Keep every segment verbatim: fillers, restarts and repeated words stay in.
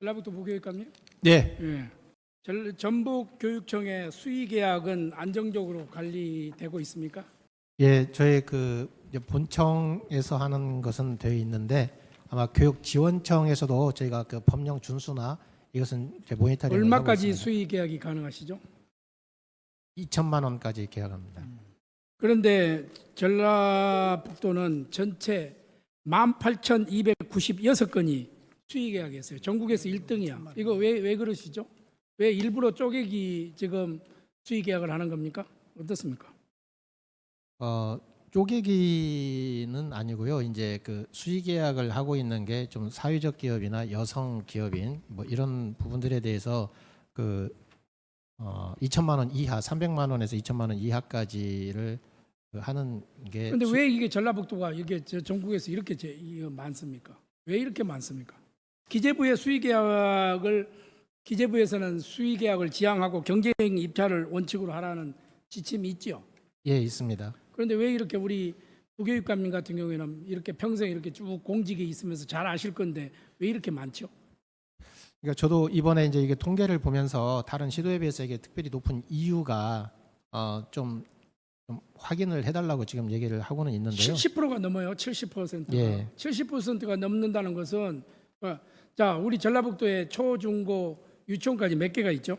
전라북도 부교육감님. 네, 예. 전- 전북교육청의 수의계약은 안정적으로 관리되고 있습니까? 예, 저희 그 이제 본청에서 하는 것은 되어 있는데 아마 교육지원청에서도 저희가 그 법령 준수나 이것은 이제 모니터링을 하고 얼마까지 있습니다. 수의계약이 가능하시죠? 이천만 원까지 계약합니다. 그런데 전라북도는 전체 만 팔천이백구십육 건이 수의계약이었어요. 전국에서 일 등이야. 이거 왜, 왜 그러시죠? 왜 일부러 쪼개기 지금 수의계약을 하는 겁니까? 어떻습니까? 어, 쪼개기는 아니고요. 이제 그 수의 계약을 하고 있는 게 좀 사회적 기업이나 여성 기업인 뭐 이런 부분들에 대해서 그 어, 이천만 원 이하, 삼백만 원에서 이천만 원 이하까지를 그 하는 게 그런데 수- 왜 이게 전라북도가 이게 저 전국에서 이렇게 제, 이거 많습니까? 왜 이렇게 많습니까? 기재부의 수의계약을 기재부에서는 수의계약을 지향하고 경쟁 입찰을 원칙으로 하라는 지침이 있죠. 예, 있습니다. 그런데 왜 이렇게 우리 부교육감님 같은 경우에는 이렇게 평생 이렇게 쭉 공직에 있으면서 잘 아실 건데 왜 이렇게 많죠? 그러니까 저도 이번에 이제 이게 통계를 보면서 다른 시도에 비해서 이게 특별히 높은 이유가 어, 좀, 좀 확인을 해달라고 지금 얘기를 하고는 있는데요. 칠십 퍼센트가 넘어요. 칠십 퍼센트가. 예. 칠십 퍼센트가 넘는다는 것은 어, 자 우리 전라북도에 초, 중, 고, 유치원까지 몇 개가 있죠?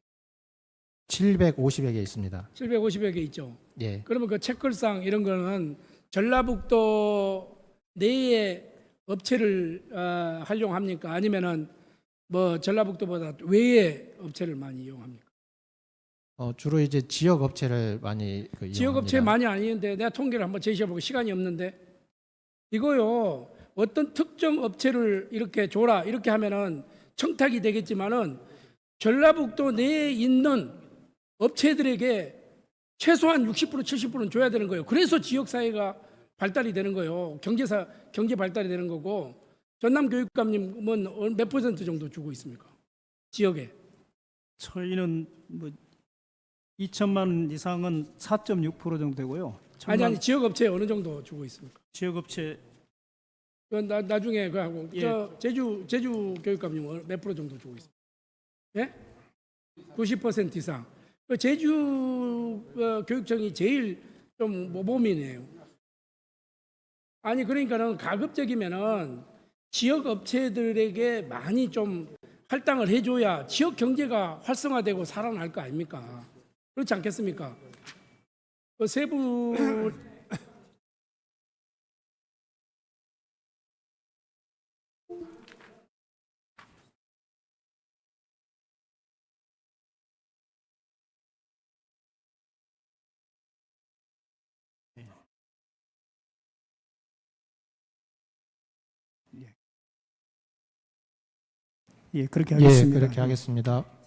칠백오십여 개 있습니다. 칠백오십여 개 있죠. 예. 그러면 그 책걸상 이런 거는 전라북도 내에 업체를 어, 활용합니까? 아니면은 뭐 전라북도보다 외에 업체를 많이 이용합니까? 어, 주로 이제 지역 업체를 많이 그 지역 업체 이용합니다. 많이 아니는데 내가 통계를 한번 제시해보고 시간이 없는데 이거요 어떤 특정 업체를 이렇게 줘라 이렇게 하면은 청탁이 되겠지만은 전라북도 내에 있는 업체들에게 최소한 육십 퍼센트 칠십 퍼센트는 줘야 되는 거예요. 그래서 지역 사회가 발달이 되는 거예요. 경제사 경제 발달이 되는 거고 전남 교육감님은 몇 퍼센트 정도 주고 있습니까? 지역에 저희는 뭐 이천만 원 이상은 사 점 육 퍼센트 정도 되고요. 아니 전남 아니 지역 업체에 어느 정도 주고 있습니까? 지역업체 그 나, 나중에 그 하고 예. 저 제주 제주 교육감님 몇 프로 정도 주고 있어요? 예? 구십 퍼센트 이상. 그 제주 어, 교육청이 제일 좀 모범이네요. 아니 그러니까는 가급적이면은 지역 업체들에게 많이 좀 할당을 해줘야 지역 경제가 활성화되고 살아날 거 아닙니까? 그렇지 않겠습니까? 그 세부 예 그렇게 예, 하겠습니다. 그렇게 하겠습니다.